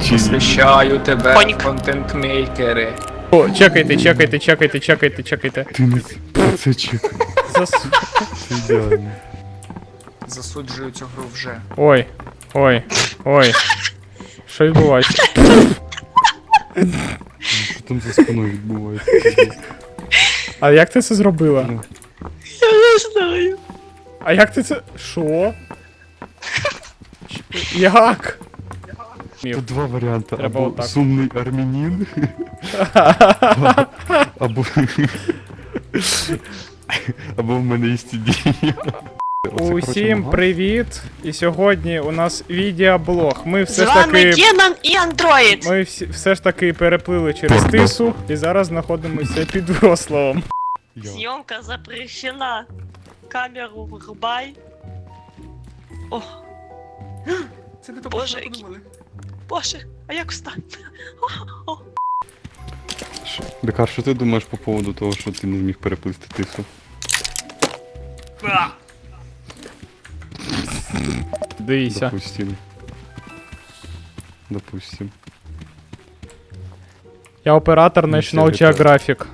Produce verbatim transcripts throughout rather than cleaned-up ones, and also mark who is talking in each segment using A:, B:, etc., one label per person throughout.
A: Освящаю тебе,
B: Конік.
A: контент-мейкери.
C: О, чекайте, чекайте, чекайте, чекайте, чекайте.
D: Ти не це чекай.
C: Зас...
D: Це ідеально.
A: Засуджую цю гру вже.
C: Ой, ой, ой. Що відбувається?
D: Що там за спиною відбувається?
C: А як ти це зробила?
B: Я не знаю.
C: А як ти це... Що? Як?
D: Тут два варіанти.
C: Треба
D: Або
C: отак.
D: сумний армянин, або... Або в мене є ідея.
C: Усім привіт! І сьогодні у нас відеоблог. Ми
B: З
C: все ж
B: вами
C: таки...
B: Генон і Андроїд.
C: Ми всі, все ж таки переплили через тису і зараз знаходимося під Вроцлавом.
B: Зйомка запрещена. Камеру врубай. О,
A: Це не то,
B: Боже,
A: що ми
B: який-
A: подумали.
B: боже, а як встати?
D: Бекар, що ти думаєш по поводу того, що ти не зміг переплисти тису?
C: Дивіться.
D: Допустим. Допустим.
C: Я оператор
D: Ну,
C: National
D: все,
C: Geographic.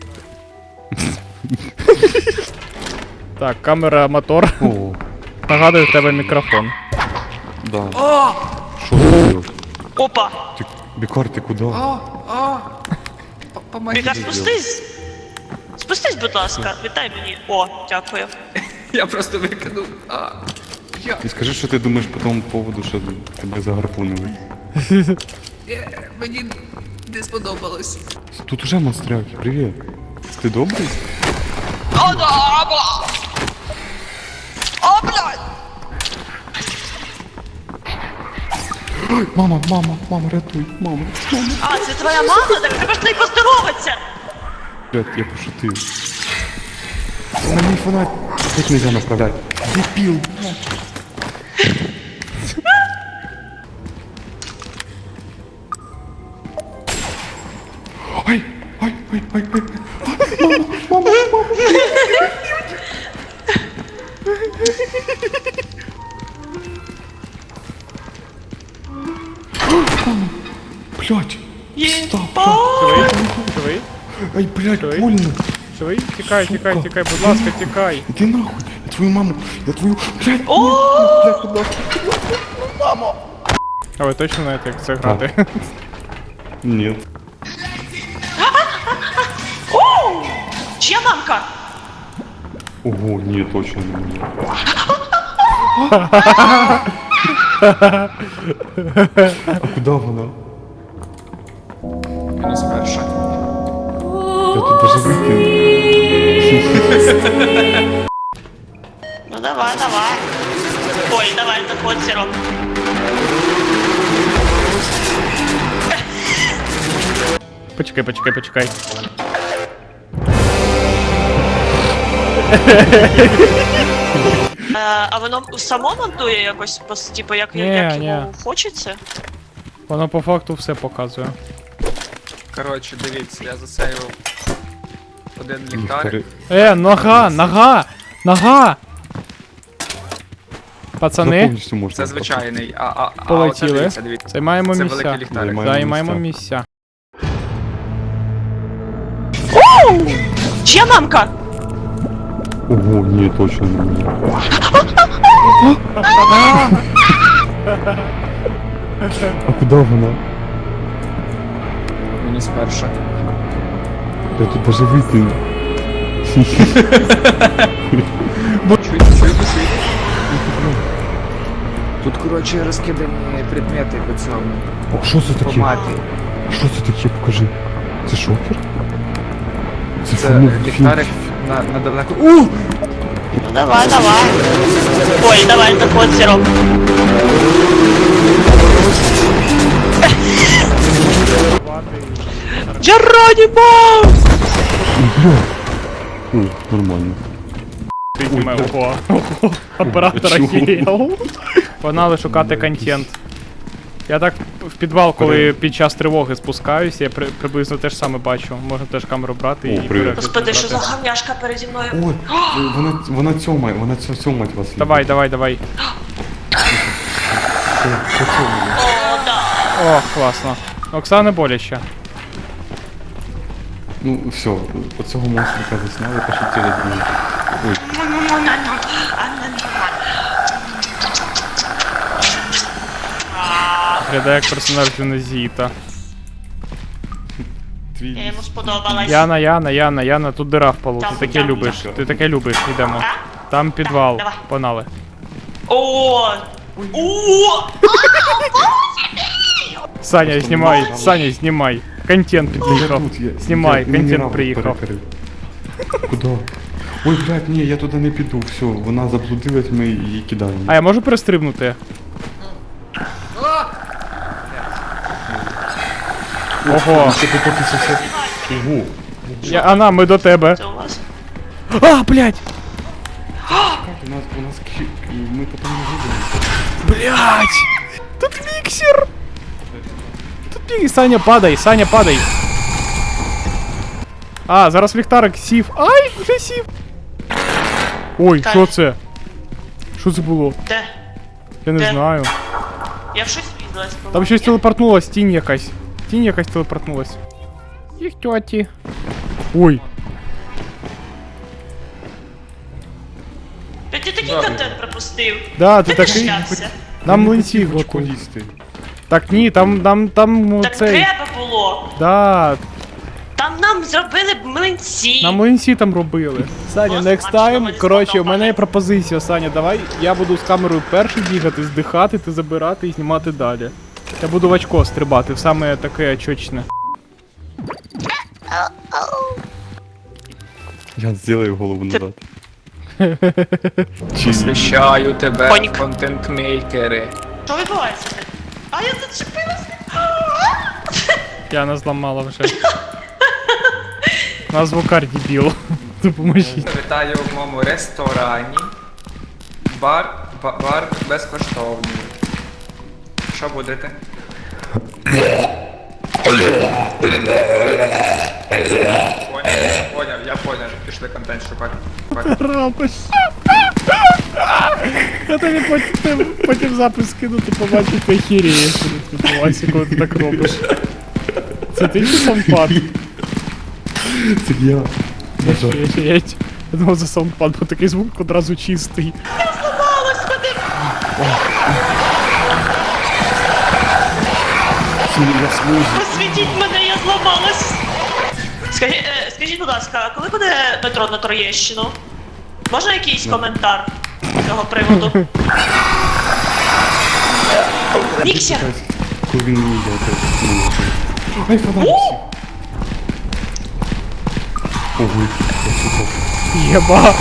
C: Так, камера, мотор.
D: О,
C: Нагадую, в тебе мікрофон.
D: да. Що ти робиш?
B: Опа!
D: Ти, Бекар, ти куди?
A: О, о! П- Помогіть.
B: Віка, спустись! Спустись, будь ласка, вітай мені. О, дякую.
A: Я просто викинув. А, я.
D: І скажи, що ти думаєш по тому поводу, що тебе загарпунили.
A: Е, Мені не сподобалось.
D: Тут уже монстряки, привіт. Ти добрий?
B: О, да, бла! О, блядь!
D: Мама, мама, мама, рятуй, мама, мама.
B: А, це твоя мама? Так треба ж з нею поздороватися!
D: Блядь, я пошутив. На мій фонарь. Як нельзя направлять? Дебіл, блядь. Ай, ай, ай, ай, ай. Мама, мама, мама. Блядь.
B: Єба!
C: Живий? Живий?
D: Ай, блядь,
C: Ой.
D: больно.
C: Живий? Тікай, тікай,
D: Сука.
C: тікай, будь ласка, тікай.
D: Иди нахуй. Я твою маму, я твою... Блядь,
B: О!
D: блядь, будь ласка.
C: А ви точно знаєте, як це грати?
D: Нет.
B: О! Чия мамка?
D: Ого, нет, точно не мне. А куда вона?
A: Мінус перша.
D: Я тут даже выкину.
B: Ну давай, давай. Ой, давай, заходь, Серег.
C: Почекай, почекай, почекай.
B: Е, а воно само монтує якось, пос- типу, як,
C: Ні,
B: як
C: ні.
B: йому хочеться?
C: Воно по факту все показує.
A: Коротше, дивіться, я засейвив один ліхтарик.
C: Е, нога, нога, нога! Пацани,
D: Повністю можна.
A: Це звичайний, а, а, а
C: Полетіли.
A: оце дивіться, дивіться.
C: займаємо
A: Це
C: місця.
A: великий ліхтарик.
D: Займаємо
C: Займаємо
D: місця.
C: місця.
B: Чия мамка?
D: Ого, ні, точно не мне. А куда вона?
A: Мінус перша.
D: Я тут даже выкину.
A: Чуєте, чуєте, чуєте? Тут, коротше, розкидані предмети по цьому.
D: О, що це
A: По
D: таке?
A: мапі.
D: Що це таке? Покажи. Це шокер? Це,
A: Це
D: фільм-
A: ліхтарик на, на далеко. У!
B: Ну давай, давай. Ой, давай, заходь, Серег. Джеронімо!
D: О, нормально.
C: Підніме, ого, ого, оператор
D: чого?
C: охерел. Погнали шукати контент. Я так в підвал, коли під час тривоги спускаюсь, я при, приблизно те ж саме бачу. Можна теж камеру брати
D: О,
C: і
D: привіт.
C: перегляд
B: Господи, що за
C: брати.
B: гавняшка переді мною?
D: Ой, вона, вона цьомає, вона цьо- цьомать вас.
C: Давай, давай, давай.
D: Це, це цьомає.
B: О, да.
C: О, класно. Оксана боляче.
D: Ну, все, оцього монстрика засняли, пошутили друзі. Ой,
C: Глядає як персонаж Динозіта.
D: твій
B: Я йому
D: ліс.
B: сподобалась.
C: Яна, Яна, Яна, Яна, тут дира в полу. Ти
B: Там,
C: таке
B: там,
C: любиш.
D: там.
C: Ти таке любиш, йдемо.
B: А?
C: Там підвал.
B: давай.
C: Погнали.
B: О! О!
C: Саня,
D: Просто
C: знімай,
D: мало.
C: Саня, знімай. Контент
D: Я
C: під'їхав.
D: тут, я-
C: Знімай,
D: я
C: контент
D: мінерал
C: приїхав.
D: перекрив. Куди? Ой, блядь, ні, я туди не піду, все, вона заблудилась, ми її кидаємо.
C: А я можу перестрибнути? Ого.
D: Це поки це все. Ого.
C: Я, Анна, ми до тебе.
B: Це у вас.
C: А, блядь!
D: У нас, у нас кі... ми потім не вийдемо.
C: Блядь! Тут міксер! Тут міксер. Саня, падай, Саня, падай. А, зараз ліхтарик сів. Ай, вже сів. Ой,
B: Так.
C: що це? Що це було?
B: Де?
C: Я не
B: Де?
C: знаю.
B: Я в щось врізалась.
C: Там щось телепортнулось, тінь якась. Тінь якась телепортнулась. Їх тьоті. Ой.
B: Та ти такий контент пропустив.
C: Да, ти
B: Ти
C: такий.
B: шлявся.
C: Нам млинці
D: Очко
C: готуй.
D: їсти.
C: Так ні, там, там, там
B: Так
C: цей.
B: треба було.
C: Да,
B: Там нам зробили б млинці.
C: на млинці там робили. Саня,
B: Просто
C: next
B: бачила,
C: time,
B: мені
C: коротше, у мене
B: сподобалось.
C: є пропозиція, Саня, давай я буду з камерою перший бігати, здихати, ти забирати і знімати далі. Я буду в очко стрибати, в саме таке очочне.
D: Я зроблю голову назад. Чи...
A: Посвящаю тебе,
B: Понік.
A: контент-мейкери.
B: Що відбувається? А я зачепилася.
C: Я нас зламала вже. На звукар дебіл. Допоможіть.
A: Вітаю в моєму ресторані. Бар, ба- бар безкоштовний. Що будете? Поняв, поняв, я поняв. Пішли контент шукати.
C: Робиш. Я тобі потім, потім запис скину, ти побачиш, ти хірієш, що тут відбувається, коли ти так робиш. Це ти чи саундпад?
D: Це я. На жаль.
C: Охереть. Я думав за саундпад, бо такий звук одразу чистий.
B: Господи.
D: Я служу.
B: Просвітіть мене, я зламалась. Скажіть, е, скажіть, будь ласка, а коли буде метро на Троєщину? Можна якийсь коментар з цього приводу? Міксер!
D: Коли він не йде, то не йде. Ай, фонарик сів. Ого, я супав.
C: Єба.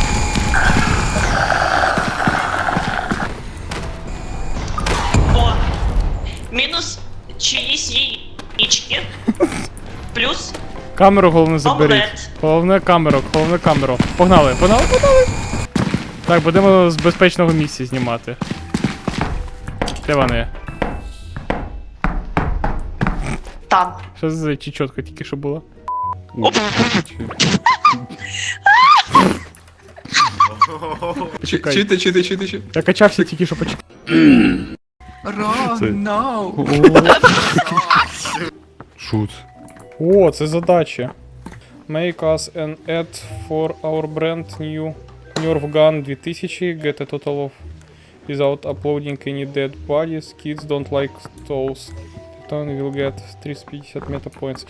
B: О! Мінус чиїсь яєчки. Плюс
C: Камеру головне заберіть.
B: Омлет.
C: Головне камеру, головне камеру. Погнали, погнали, погнали. Так, будемо з безпечного місця знімати. Де вони?
B: там.
C: Що це за чечотка тільки що була? Почекай.
A: Чути, чути, чути, чути.
C: Я качався тільки що почекай.
A: Run,
D: Це-
A: no.
D: Шут.
C: О, це задача. Make us an ad for our brand new Nerf Gun дві тисячі. Get a total of without uploading any dead bodies. Kids don't like those. Titan will get триста п'ятдесят meta points.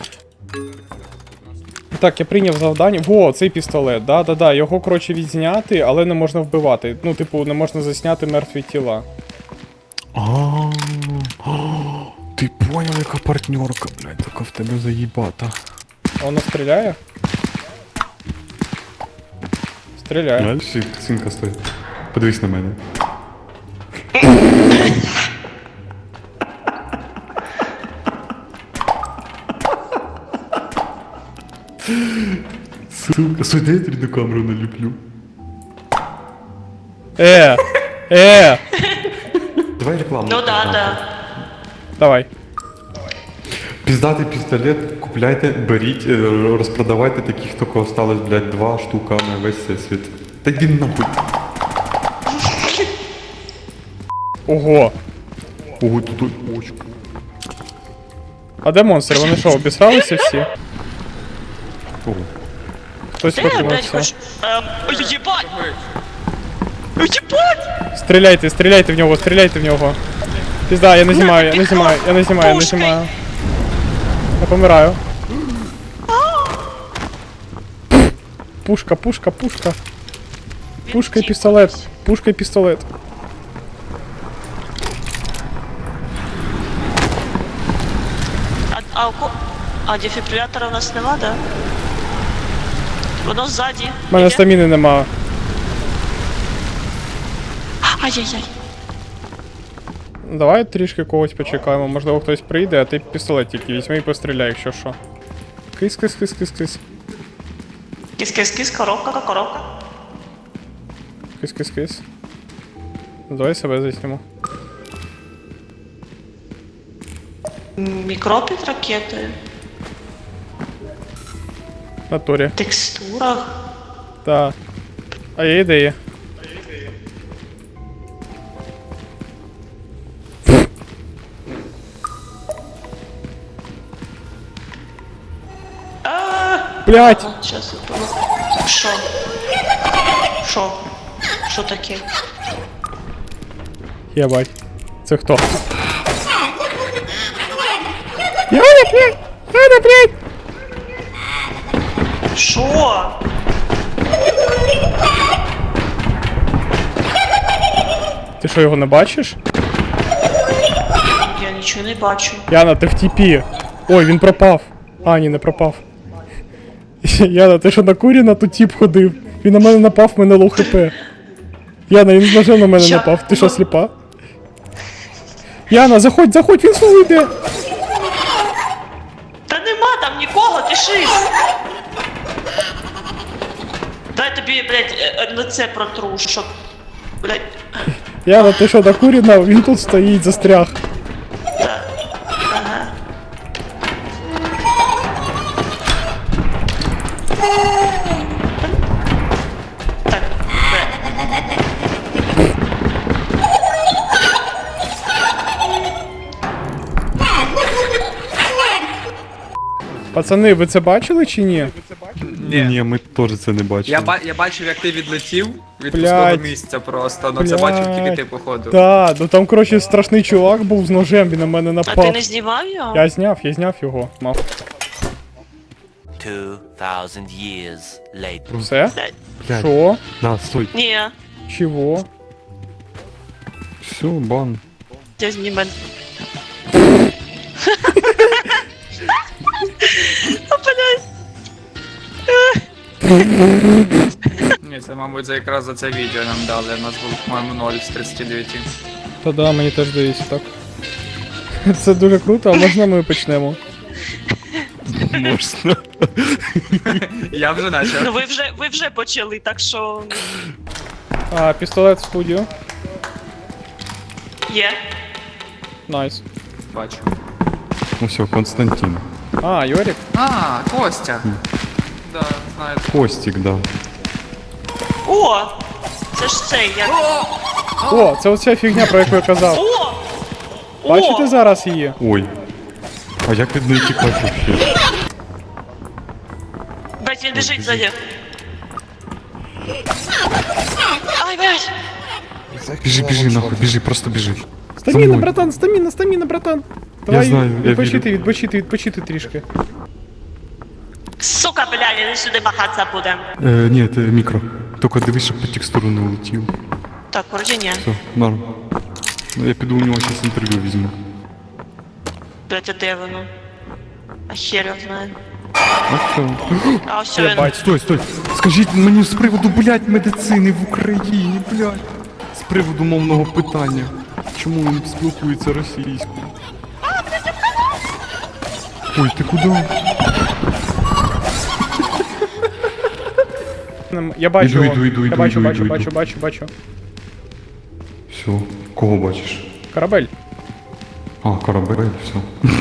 C: Так, я прийняв завдання. Во, цей пістолет, да-да-да, його, коротше, відзняти, але не можна вбивати. Ну, типу, не можна засняти мертві тіла.
D: А, ти понял, яка партнерка, блядь, така в тебе заїбата.
C: Воно стріляє? Стріляє.
D: Дальше синка стоїть. Подивись на мене. Сука, сюди я рідну камеру наліплю.
C: Е! Е!
D: Давай рекламу.
B: Ну да, да.
C: Давай.
D: Піздатий пістолет, купляйте, беріть, е, розпродавайте таких, тільки осталось, блядь, два штука на весь всесвіт. Та йди нахуй.
C: Ого!
D: Ого, тут очко.
C: А де монстри? Вони що, обісралися всі?
D: О,
C: Хтось
B: Де, блядь,
C: покинувся.
B: хоч... Е, Ой, єбать! Ой, єбать!
C: Стріляйте, стріляйте в нього, стріляйте в нього. Пізда, я не знімаю, я не знімаю, я не знімаю, я не
B: Пушкою.
C: знімаю. Я помираю. Пушка, пушка, пушка. Пушка і пістолет. Пушка і пістолет.
B: А, а, у ко... а дефібрилятора у нас нема, да? Воно ззаді.
C: У мене
B: Іде?
C: стаміни нема.
B: Ай-яй-яй.
C: Давай трішки когось почекаємо, можливо хтось прийде, а ти пістолет тільки візьми і постріляй, якщо що. Кис, кис, кис, кис, кис.
B: Кис-кис-кис, коробка, коробка.
C: Кис, кис, кис. Давай себе засніму.
B: Мікро під ракетою.
C: В натурі.
B: Текстурах.
C: Та. А є ідея. Блять!
B: Сейчас я помогу. Шо? Шо? Шо таке?
C: Єбать. Це хто? Яна, блядь! Яна, блядь!
B: Шо?
C: Ти що, його не бачиш?
B: Я нічого не бачу.
C: Яна, ти в тіпі. Ой, він пропав. А, ні, не пропав. Яна, ти що накурена, тут тіп ходив. Він на мене напав, в мене лоу хп. Яна, він з ножем на мене
B: Ща-
C: напав. Ти що, сліпа? Яна, заходь, заходь, він знову йде.
B: Та нема там нікого, ти шиз. Дай тобі, блядь, е, е, лице протру, щоб... Блядь,
C: Яна, ти що, накурена? Він тут стоїть, застряг.
B: ага. Так, блядь.
C: Пацани, ви це бачили чи ні?
A: Ні.
D: ні, ми теж це не бачили.
A: Я, ба- я бачив, як ти відлетів від
C: Блядь.
A: пустого місця просто, ну це бачив тільки
C: Блядь.
A: ти, походу.
C: Так, ну там, коротше, страшний чувак був з ножем, він на мене
B: А ти
C: напав.
B: не знімав його?
C: Я зняв, я зняв його. Мав.
E: Two thousand years later.
C: Все?
B: Блядь.
D: Блядь,
C: Що?
D: на, стой.
B: Ні,
C: Чого?
D: Все, бан.
B: я знімаю. О, блядь.
A: Ні, це, мабуть, за якраз за це відео нам дали. У нас був, по-моєму, ноль з тридцяти дев'яти.
C: Та да, мені теж здається так. Це дуже круто, а можна ми почнемо?
D: Можна.
A: Я вже начав.
B: Ну ви вже, ви вже почали, так що...
C: А, пістолет в студію.
B: Є.
C: Найс.
A: Бачу.
D: Ну все, Константин.
C: А, Йорік?
A: А, Костя. Да, знаю.
D: Костик, да.
B: О! Це ж цей, як...
C: О, це оця фігня, про яку я казав.
B: О!
C: Бачите
B: О!
C: зараз її?
D: Ой. А як від неї тікати вообще?
B: Блять, він біжить ззаді. Ай, блять!
D: Біжи, біжи, нахуй, біжи, просто біжи. За
C: Стаміна,
D: мною.
C: братан, стаміна, стаміна, братан. Давай
D: знаю, я
C: відпочити,
D: вірю.
C: відпочити, відпочити трішки.
B: Сука, блядь, він сюди махатися буде.
D: Е, ні, це мікро. Тільки дивись, щоб по текстуру не улетів.
B: Так, вроді ні.
D: Все, норм. Ну, я піду у нього зараз інтерв'ю візьму.
B: Блять, а де воно? А хер його знає.
D: А все.
B: А все
C: Я
B: він.
C: бачу.
D: Стой, стой. Скажіть мені з приводу, блядь, медицини в Україні, блядь. З приводу мовного питання. Чому він спілкується російською? Ой, ти куди?
C: Я бачу
D: Іду,
C: його.
D: іду, іду,
C: Я
D: іду,
C: бачу,
D: іду,
C: бачу,
D: іду,
C: бачу,
D: іду.
C: бачу, бачу.
D: Все, кого бачиш?
C: Корабель.
D: А, корабель, все.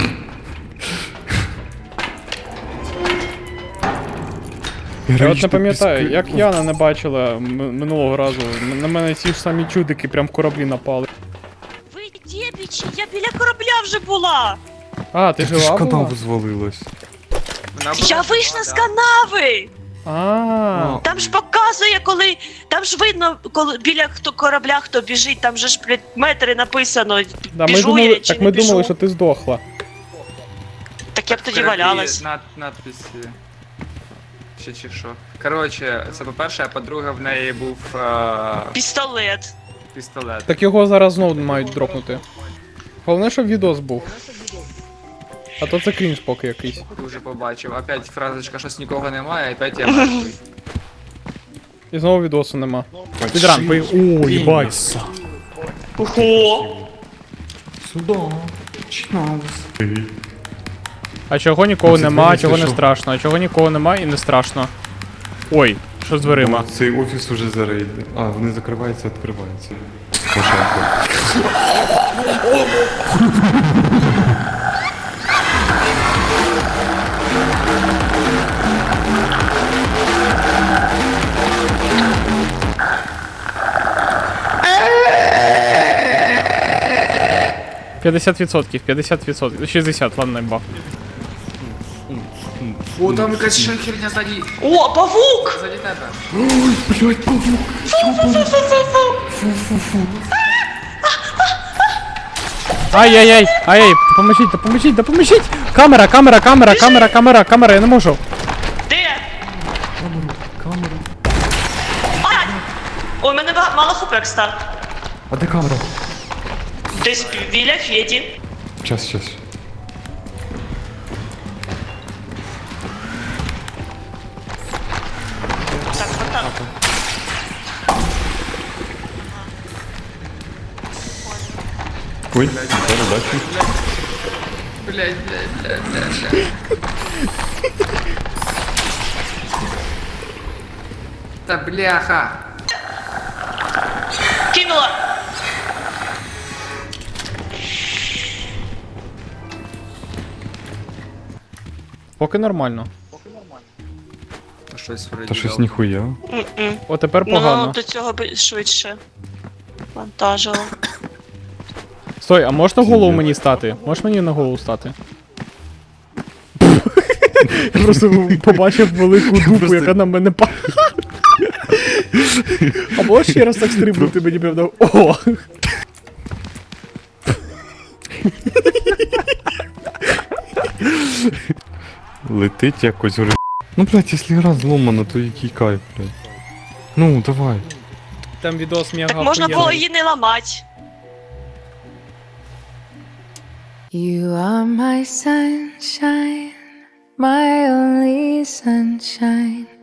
C: Я от не пам'ятаю, як Яна не бачила м- минулого разу. М- На мене ці ж самі чудики прям в кораблі напали.
B: Ви дєбічі, я біля корабля вже була!
C: А, ти
D: Ти ж
C: жива
D: канаву
C: була?
D: звалилась.
A: Вона була
B: Я
A: жива,
B: вийшла з
A: да.
B: канави!
C: А,
B: Там ж показує, коли. Там ж видно, коли біля хто корабля хто біжить, там же ж блядь, метри написано.
C: да, ми
B: біжу
C: думали,
B: я чи
C: так
B: не
C: ми
B: біжу.
C: думали, що ти здохла.
B: Так я б тоді
A: Кораблі,
B: валялась.
A: Над, надписи. Чи чи що. Коротше, це по-перше, а по-друге, в неї був е,
B: Пістолет.
A: пістолет.
C: Так його зараз знову мають дропнути. Головне, щоб відос був. А то це крінж поки якийсь.
A: Дуже побачив. Опять фразочка, щось нікого немає, і опять я мертвий.
C: І знову відосу нема. Підран, пи... О, їбать.
B: Ого!
D: Сюда. Чинаус.
C: А чого нікого
D: Ну, це
C: нема,
D: дивіться,
C: чого не
D: що?
C: страшно, а чого нікого нема і не страшно. Ой, що з дверима?
D: Цей офіс уже зарейдений. А, вони закриваються, відкриваються. Пошарко.
C: п'ятдесят відсотків, п'ятдесят відсотків, шістдесят, ладно, бах.
A: О, там якась ще херня ззаді,
B: О, павук!
A: ззаді тебе.
D: Блять, павук.
C: Ай-яй-яй, ай-яй, допоможіть, допоможіть, допоможіть! Камера, камера, камера, камера, камера, камера, я не можу.
B: Де? Ай! Ой, у мене ба- мало хп, кстати.
D: А де камера?
B: Десь біля Феді.
D: Щас, щас.
B: Так, вот так.
D: Ой, передачу.
A: Блять, блять, блять, блять, блять. Та бляха.
B: Кинула!
C: Поки нормально.
A: Та щось вроді.
D: Та щось
A: дав.
D: ніхуя.
B: М-м.
C: О, тепер
B: Ну,
C: погано.
B: до цього би швидше. Вантажило.
C: Стой, а можна голову мені стати? Можеш мені на голову стати? Я просто побачив велику дупу, яка на мене падає. А можеш ще раз так стрибнути мені певно? О!
D: Летить якось уже. Ну, блядь, якщо гра зломана, то який кайф, блядь. Ну, давай.
C: Там відос мега
B: Так можна було
C: охуєнний.
B: її не ламати.
F: You are my sunshine, my only sunshine.